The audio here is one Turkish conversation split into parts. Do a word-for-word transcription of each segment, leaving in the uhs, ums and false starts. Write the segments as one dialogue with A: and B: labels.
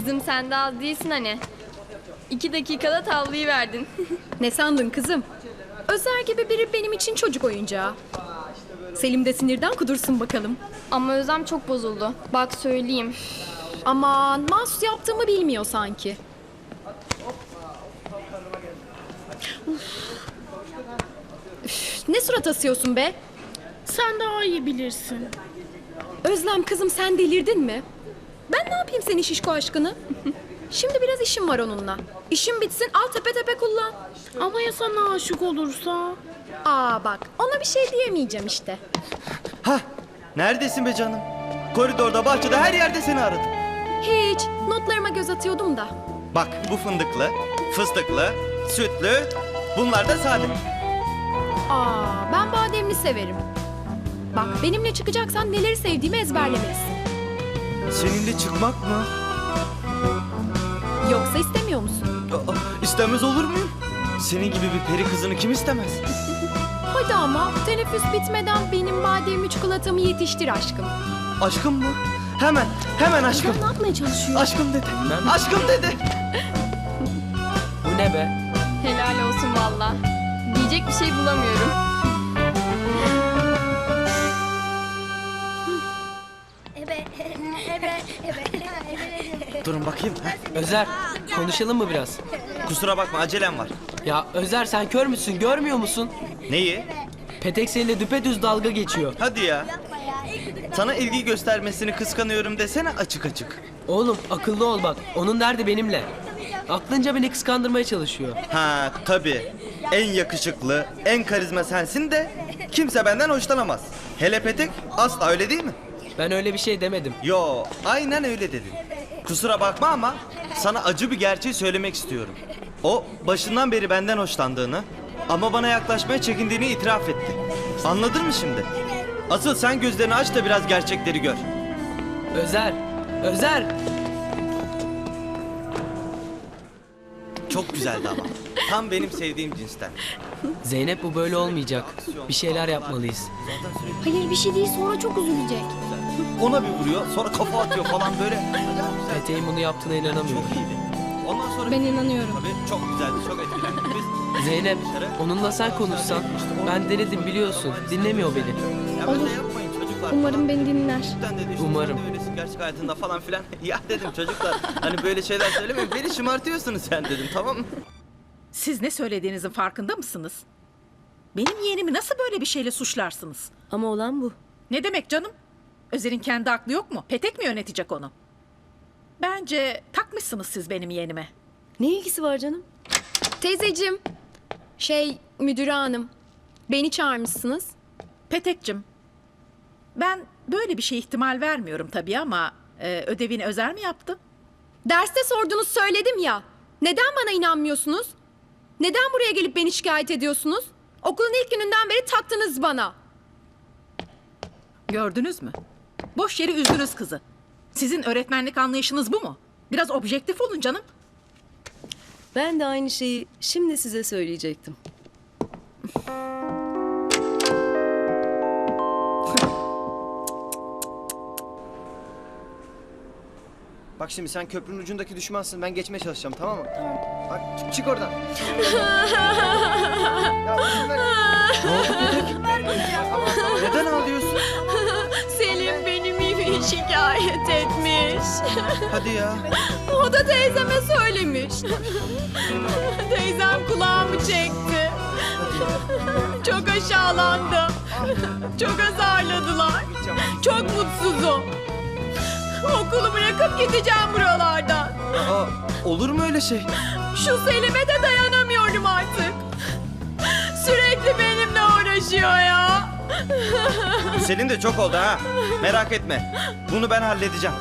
A: Kızım sen de az değilsin hani. İki dakikada tavlayı verdin.
B: Ne sandın kızım? Özer gibi biri benim için çocuk oyuncağı. Selim de sinirden kudursun bakalım.
A: Ama Özlem çok bozuldu. Bak söyleyeyim.
B: Aman mahsus yaptığımı bilmiyor sanki. Üf, ne surat asıyorsun be?
C: Sen daha iyi bilirsin.
B: Özlem kızım sen delirdin mi? Ben ne yapayım senin şişko aşkını? Şimdi biraz işim var onunla. İşim bitsin al tepe tepe kullan.
C: Ama ya sana aşık olursa?
B: Aa bak ona bir şey diyemeyeceğim işte.
D: Hah, neredesin be canım? Koridorda, bahçede, her yerde seni aradım.
B: Hiç notlarıma göz atıyordum da.
D: Bak bu fındıklı, fıstıklı, sütlü, bunlar da sade.
B: Aa ben bademli severim. Bak benimle çıkacaksan neleri sevdiğimi ezberlemelisin.
D: Seninle çıkmak mı?
B: Yoksa istemiyor musun?
D: Aa, istemez olur muyum? Senin gibi bir peri kızını kim istemez?
B: Hadi ama teneffüs bitmeden benim bademli çikolatamı yetiştir aşkım.
D: Aşkım mı? Hemen, hemen aşkım.
C: Ne yapmaya çalışıyor?
D: Aşkım dedi. Aşkım dedi.
E: Bu ne be?
A: Helal olsun valla. Diyecek bir şey bulamıyorum.
D: Durun bakayım. ha?
E: Özer, konuşalım mı biraz?
D: Kusura bakma acelem var.
E: Ya Özer sen kör müsün, görmüyor musun?
D: Neyi?
E: Petek seninle düpedüz dalga geçiyor.
D: Hadi ya. Sana ilgi göstermesini kıskanıyorum desene açık açık.
E: Oğlum akıllı ol bak, onun derdi benimle. Aklınca beni kıskandırmaya çalışıyor.
D: Ha tabii. En yakışıklı, en karizma sensin de kimse benden hoşlanamaz. Hele Petek asla öyle değil mi?
E: Ben öyle bir şey demedim.
D: Yo, aynen öyle dedin. Kusura bakma ama sana acı bir gerçeği söylemek istiyorum. O başından beri benden hoşlandığını ama bana yaklaşmaya çekindiğini itiraf etti. Anladın mı şimdi? Asıl sen gözlerini aç da biraz gerçekleri gör.
E: Özer, Özer!
D: Çok güzeldi ama. Tam benim sevdiğim cinsten.
E: Zeynep bu böyle olmayacak. Bir şeyler yapmalıyız.
C: Hayır bir şey değil sonra çok üzülecek.
D: Ona bir vuruyor, sonra kafa atıyor falan böyle.
E: Petek'in bunu yaptığına inanamıyorum.
D: Çok iyiydi. Ondan sonra
B: Ben inanıyorum.
D: tabii çok güzeldi, çok etkilendik biz.
E: Zeynep, onunla sen konuşsan. Ben denedim biliyorsun, dinlemiyor beni.
D: Ya böyle yapmayın çocuklar.
A: Umarım beni dinler.
D: Cidden dedi, işte
E: Umarım.
D: sen de öylesin gerçek hayatında falan filan. Ya dedim çocuklar hani böyle şeyler söylemeyin. Beni şımartıyorsunuz sen dedim, tamam mı?
F: Siz ne söylediğinizin farkında mısınız? Benim yeğenimi nasıl böyle bir şeyle suçlarsınız?
G: Ama olan bu.
F: Ne demek canım? Özer'in kendi aklı yok mu? Petek mi yönetecek onu? Bence takmışsınız siz benim yeğenime.
G: Ne ilgisi var canım?
B: Teyzeciğim, şey müdüre hanım, beni çağırmışsınız.
F: Petek'cim, ben böyle bir şey ihtimal vermiyorum tabii ama e, ödevini Özer mi yaptı?
B: Derste sordunuz söyledim ya. Neden bana inanmıyorsunuz? Neden buraya gelip beni şikayet ediyorsunuz? Okulun ilk gününden beri taktınız bana.
F: Gördünüz mü? Boş yere üzdünüz kızı. Sizin öğretmenlik anlayışınız bu mu? Biraz objektif olun canım.
G: Ben de aynı şeyi şimdi size söyleyecektim.
H: Bak şimdi sen köprünün ucundaki düşmansın. Ben geçmeye çalışacağım, tamam mı? Tamam. Bak çık, çık oradan. Ya, izin ver.
D: Ne oldu Petek? Neden ağlıyorsun?
B: Selim benim iyi şikayet etmiş.
D: Hadi ya.
B: O da teyzeme söylemiş. Teyzem kulağımı çekti. Çok aşağılandım. Çok azarladılar. Çok mutsuzum. Okulu bırakıp gideceğim buralardan.
D: Aa, olur mu öyle şey?
B: Şu Selim'e de dayanamıyorum artık. Sürekli benimle uğraşıyor ya.
D: Senin de çok oldu ha. Merak etme. Bunu ben halledeceğim.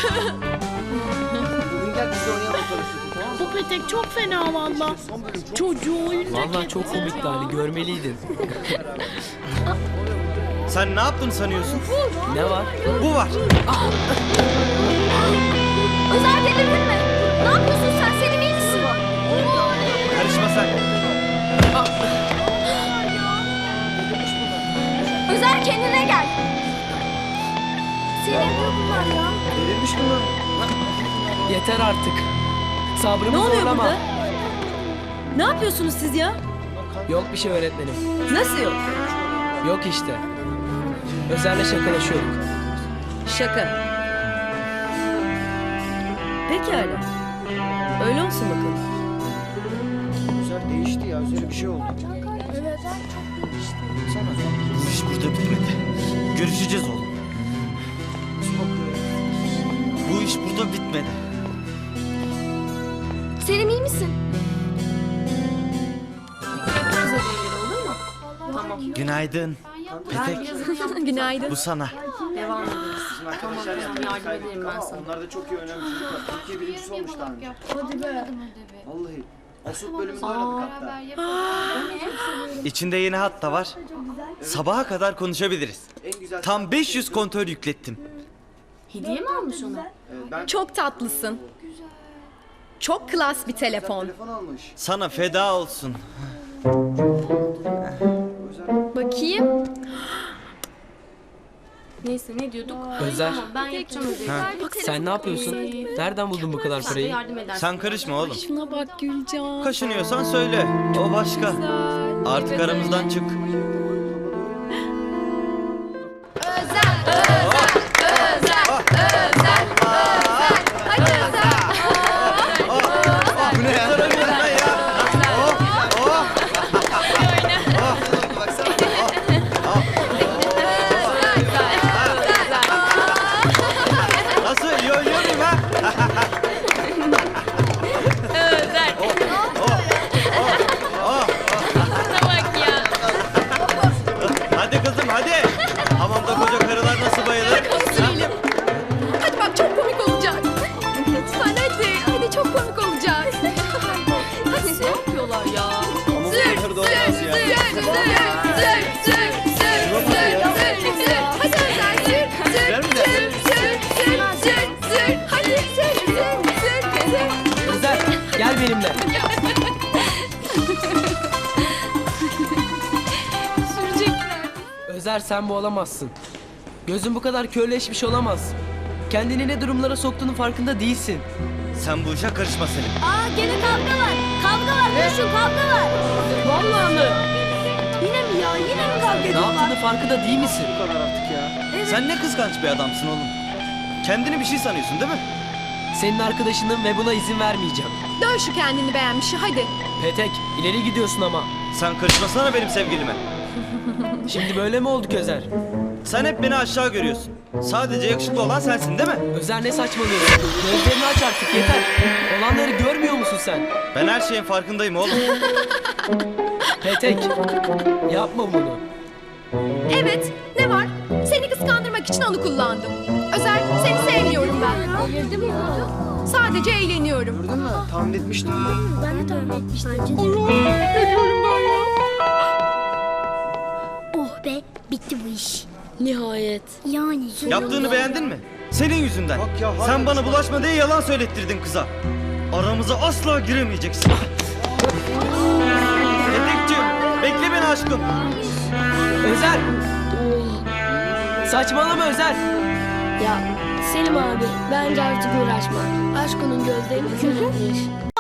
H: Bugün gel biz de oynayalım bakalım, tamam mı?
C: Bu Petek çok fena valla. Çocuğu oyuncak
E: Vallahi çok
C: ettiler
E: komikti
C: ya.
E: hani, görmeliydin.
D: Sen ne yaptın sanıyorsun?
E: Ne var?
D: Bu var.
A: Özer delirdin mi? Ne yapıyorsun sen? Selim iyi misin?
D: Karışma sen.
A: Özer kendine gel. Selim ne bunlar ya?
H: Delirmiş bunlar.
E: Yeter artık. Sabrımı
G: Ne oluyor
E: zorlama.
G: burada? Ne yapıyorsunuz siz ya?
E: Yok bir şey öğretmenim.
G: Nasıl yok?
E: Yok işte. Özer'le şakalaşıyorduk.
G: Şaka. Pekala. Öyle olsun bakalım.
H: Özer değişti ya. Özer'e bir şey oldu. Sana.
D: Bu iş burada bitmedi. Görüşeceğiz oğlum. Bu iş burada bitmedi.
A: Selim iyi misin?
D: Günaydın. Petek,
B: Günaydın.
D: bu sana.
H: Onlar da çok iyi oynayan çocuklar. Türkiye birincisi olmuşlar. Hadi be. Vallahi. Asıl bölümünde oynadık hatta.
D: İçinde yeni hat da var. Sabaha kadar konuşabiliriz.
H: En güzel.
D: Tam beş yüz kontör yüklettim.
A: Hediye mi almış ona?
H: Evet, ben
B: Çok tatlısın. Çok klas bir telefon.
H: telefon almış.
D: Sana feda olsun.
A: Bakayım. Neyse ne diyorduk?
E: Özer,
A: Ben yapacağım ödevi.
E: sen ne yapıyorsun? Nereden buldun bu kadar parayı?
A: Yardım edersin.
D: Sen karışma oğlum.
B: Şuna bak Gülcan.
D: Kaşınıyorsan söyle. O başka. Artık aramızdan çık. Bu ne ya? Nasıl? İyi oynuyor muyum ha?
A: Bak ya.
D: Hadi kızım hadi. Hamamda koca karılar nasıl bayılır?
B: Sürelim. Hadi bak çok komik olacak. Lütfen hadi. Hadi çok komik olacak. Hadi.
A: Ne yapıyorlar ya?
D: Ama bu kadar da olmaz ya.
B: Hadi Özer sür. Sür.
D: Ver mi de?
B: Sür. Sür. Sür. Sür. Hadi sür. Sür. Sür. Sür.
E: Özer, gel benimle. Özer, sen bu olamazsın. Gözün bu kadar körleşmiş olamaz. Kendini ne durumlara soktuğunun farkında değilsin.
D: Sen bu işe karışma Selim.
A: Aa gene kavga var. Kavga var. Koşun kavga var.
E: Vallahi mı?
A: Yine mi ya? Yine mi kavga
E: Ne
A: ediyorlar?
E: yaptığını farkında değil misin?
H: Bu kadar artık ya.
D: Sen ne kıskanç bir adamsın oğlum. Kendini bir şey sanıyorsun değil mi?
E: Senin arkadaşınım ve buna izin vermeyeceğim.
B: Dön şu kendini beğenmişi hadi.
E: Petek, ileri gidiyorsun ama.
D: Sen karışmasana benim sevgilime.
E: Şimdi böyle mi olduk Özer?
D: Sen hep beni aşağı görüyorsun. Sadece yakışıklı olan sensin değil mi?
E: Özer, ne saçmalıyorsun? Gözlerini aç artık, yeter. Olanları görmüyor musun sen?
D: Ben her şeyin farkındayım oğlum.
E: Petek, yapma bunu.
B: Evet, ne var? Seni kıskandırmak için onu kullandım. Özer, seni sevmiyorum ben.
A: Delirdi mi ya?
B: Sadece eğleniyorum.
H: Gördün mü? Tahmin etmiştim.
A: Ben de tahmin etmiştim.
I: Oh be, bitti bu iş.
G: Nihayet.
I: Yani.
D: Yaptığını beğendin mi? Senin yüzünden.
H: Bak ya, hala
D: Sen bana
H: düşman.
D: bulaşma diye yalan söylettirdin kıza. Aramıza asla giremeyeceksin. Petekciğim, bekle beni aşkım.
E: Özer! Saçmalama Özer!
I: Ya Selim abi, bence artık uğraşma. Aşk onun gözlerini körülmüş.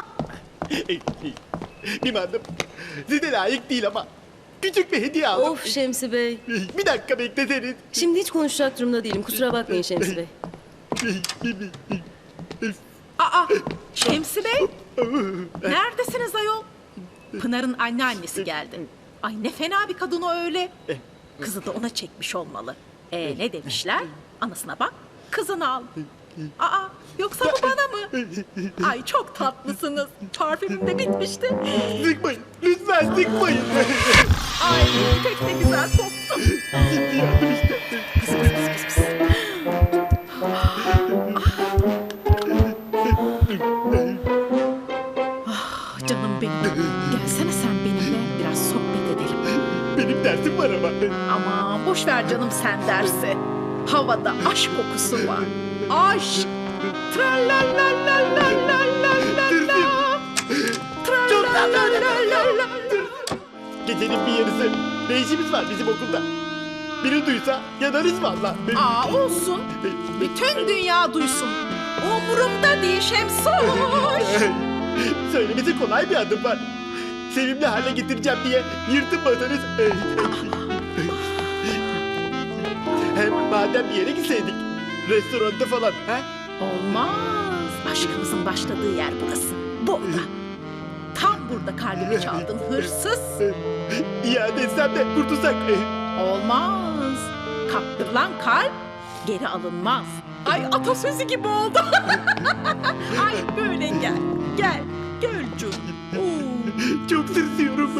J: Bilmem. Size layık değil ama küçük bir hediye aldım.
G: Of Şemsi Bey.
J: Bir dakika bekletenin.
G: Şimdi hiç konuşacak durumda değilim. Kusura bakmayın Şemsi Bey.
F: Aa Şemsi Bey. Neredesiniz ayol? Pınar'ın anneannesi geldi. Ay ne fena bir kadın o öyle. Kızı da ona çekmiş olmalı. Ee ne demişler? Anasına bak, kızını al. Aa yoksa bu bana mı? Ay çok tatlısınız. Parfümüm de bitmişti.
J: Sıkmayın. Lütfen sıkmayın.
F: Ay pek de güzel koktu.
J: Şimdi yardım işte.
F: Pıs pıs pıs pıs pıs. Ah canım benim. Gelsene sen benimle biraz sohbet edelim.
J: Benim dersim var ama.
F: Aman boş ver canım sen dersi. Havada aşk kokusu var. Aşk. Tralalalalalalala. Tralalalala.
J: Gecenin bir yarısı. Ne işimiz var bizim okulda? Biri duysa yanarız valla.
F: Aa olsun. Bütün dünya duysun. O umurumda değil Şemsoş.
J: Söylemesi kolay bir adım var. Sevimli hale getireceğim diye yırtınmasanız. Hem madem bir yere gitseydik. Restoranda falan. Ha?
F: Olmaz. Aşkımızın başladığı yer burası. Burada. Tam burada kalbimi çaldın hırsız.
J: İade etsem de kurtulsak.
F: Olmaz. Kaptırılan kalp geri alınmaz. Ay atasözü gibi oldu. Ay böyle gel. Gel. Gölcüm. Oo.
J: Çok tırsıyorum.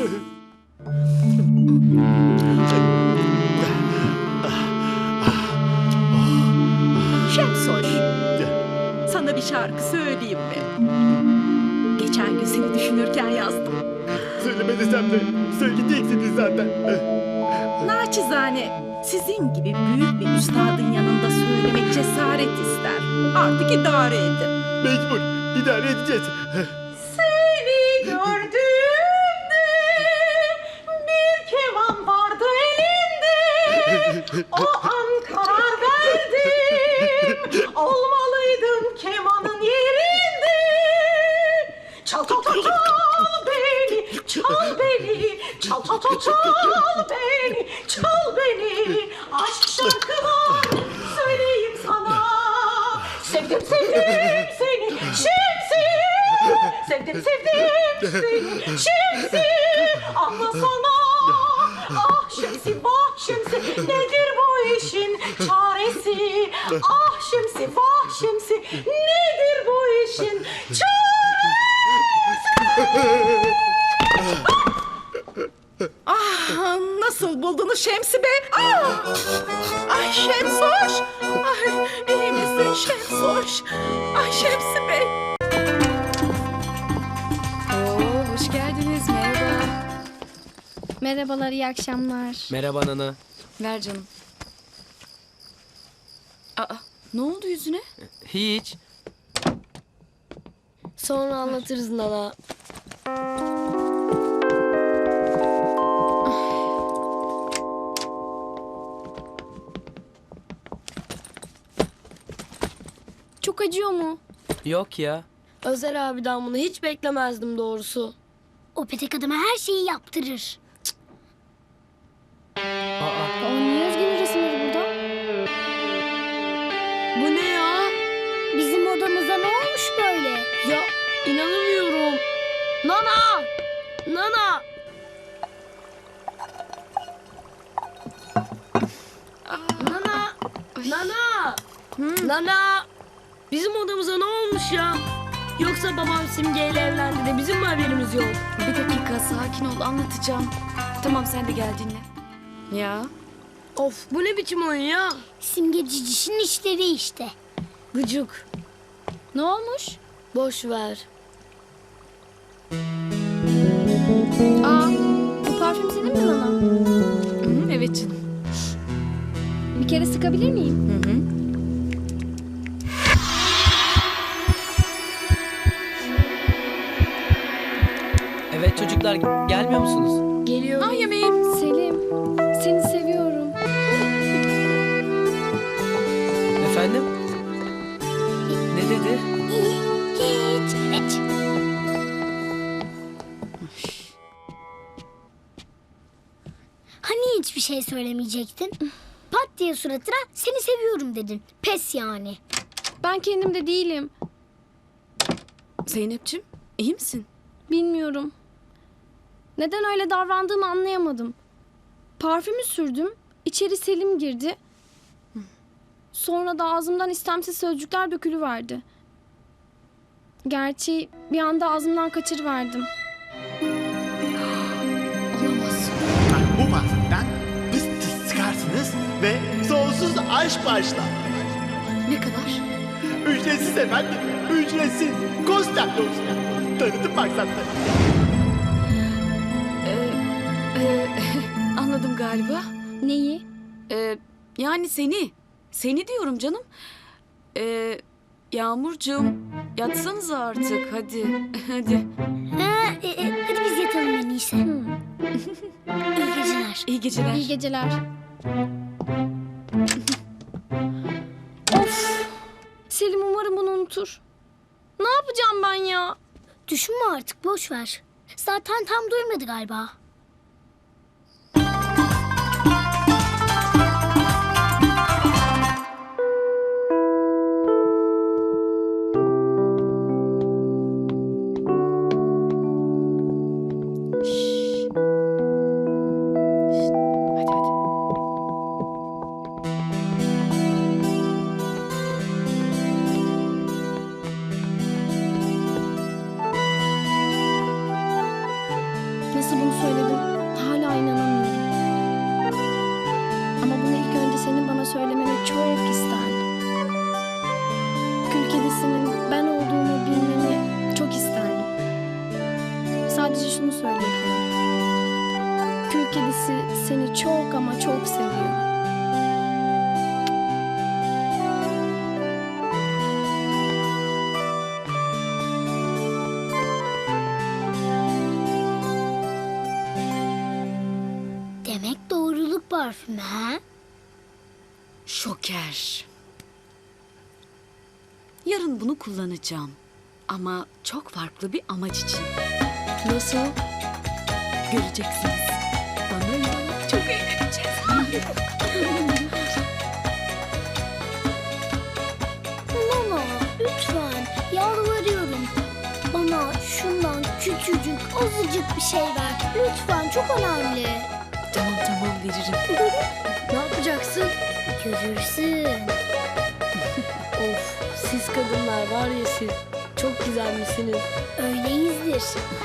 F: Şemsoş. Sana bir şarkı söyleyeyim mi? Geçen gün seni düşünürken yazdım.
J: Söyleme desem de söyleyeceksiniz zaten.
F: Naçizane sizin gibi büyük bir üstadın yanında söylemek cesaret ister. Artık idare edin.
J: Mecbur. idare edeceğiz.
F: Seni gördüğümde bir keman vardı elinde. O an karar verdim. Olmalıydım kemanın yerinde. Çal çal çal çal beni, çal beni. Çal çal çal çal beni, çal beni. Aşk şarkılar söyleyeyim sana. Sevdim sevdim seni Şemsiye. Sevdim sevdim seni Şemsiye. Anlasana. Ah Şemsi vah Şemsi. Nedir bu işin çaresi? Ah Şemsi vah Şemsi. Nedir bu işin çaresi? Ah nasıl buldunuz Şemsi Bey? Ah! Ay Şemsoş. Ay iyi misin Şemsoş? Ay Şemsi Bey.
A: Oo, hoş geldiniz. Merhaba.
I: Merhabalar, iyi akşamlar.
E: Merhaba Nana.
A: Ver canım. Aa, ne oldu yüzüne?
E: Hiç.
I: Sonra anlatırız Nana. Çok acıyor mu?
E: Yok ya.
I: Özer abiden bunu hiç beklemezdim doğrusu. O petek adama her şeyi yaptırır.
E: Aa,
I: Aa, niye Özge'nin resimleri burada? Bu ne ya? Bizim odamıza ne olmuş böyle? Ya inanamıyorum. Nana! Nana! Nana! Nana! Nana! Bizim odamıza ne olmuş ya? Yoksa babam Simge ile evlendi de bizim mi haberimiz yok?
A: Bir dakika sakin ol anlatacağım. Tamam sen de gel dinle. Ya
I: Of bu ne biçim oyun ya? Simge cicişin işleri işte. Gıcık.
A: ne olmuş?
I: Boş ver.
A: Aa, bu parfüm senin mi Nana? Hı, evet canım.
I: Bir kere sıkabilir miyim?
A: Hı hı.
E: evet çocuklar gelmiyor musunuz?
I: Geliyorum.
A: Ah yemeğim.
I: Selim, seni seviyorum.
E: Efendim? Ne dedi?
I: Hiç, hiç. Hani hiçbir şey söylemeyecektin? Pat diye suratına seni seviyorum dedin. Pes yani.
A: Ben kendimde değilim. Zeynep'ciğim iyi misin?
K: Bilmiyorum. Neden öyle davrandığımı anlayamadım. Parfümü sürdüm. İçeri Selim girdi. Sonra da ağzımdan istemsiz sözcükler dökülüverdi. Gerçi bir anda ağzımdan kaçırıverdim.
A: Olamaz.
J: Bu parfümden pıs pıs çıkarsınız ve sonsuz aşk başlar.
A: Ne kadar?
J: Ücretsiz efendim. Ücretsiz. Konstantin olsun. Tanıtım maksatlı.
A: Ee, e, anladım galiba.
K: Neyi?
A: Ee, yani seni. Seni diyorum canım. Ee, Yağmurcuğum yatsanıza artık hadi. Hadi.
I: Ha, e, e, hadi biz yatalım en iyisi. İyi geceler.
A: İyi geceler.
K: İyi geceler. Of! Selim umarım bunu unutur. Ne yapacağım ben ya?
I: Düşünme artık, boş ver. Zaten tam duymadı galiba.
B: Hadi hadi.
K: Nasıl bunu söyledim? Hala inanamıyorum. Ama bunu ilk önce senin bana söylemeni çok isterdim. Kül kedisinin ben olduğumu bilmeni çok isterdim. Sadece şunu söyleyebilirim. Kül kedisi seni çok ama çok seviyor.
I: Demek doğruluk parfümü ha?
L: Şoker. Yarın bunu kullanacağım. Ama çok farklı bir amaç için.
G: Nasıl?
L: Göreceksiniz. Bana inanın, çok eğleneceğiz.
I: Nana, lütfen yalvarıyorum. Bana şundan küçücük, azıcık bir şey ver. Lütfen, çok önemli.
L: Tamam tamam veririm.
G: Ne yapacaksın?
I: Görürsün.
G: Of, siz kadınlar var ya siz. Çok güzelmişsiniz.
I: Öyleyizdir.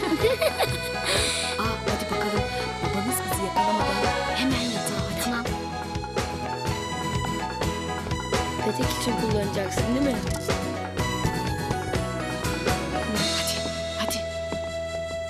L: Aa, hadi bakalım. Babanız bizi yakalamadan hemen yatağa hadi.
I: Tamam.
G: Petek için kullanacaksın değil mi?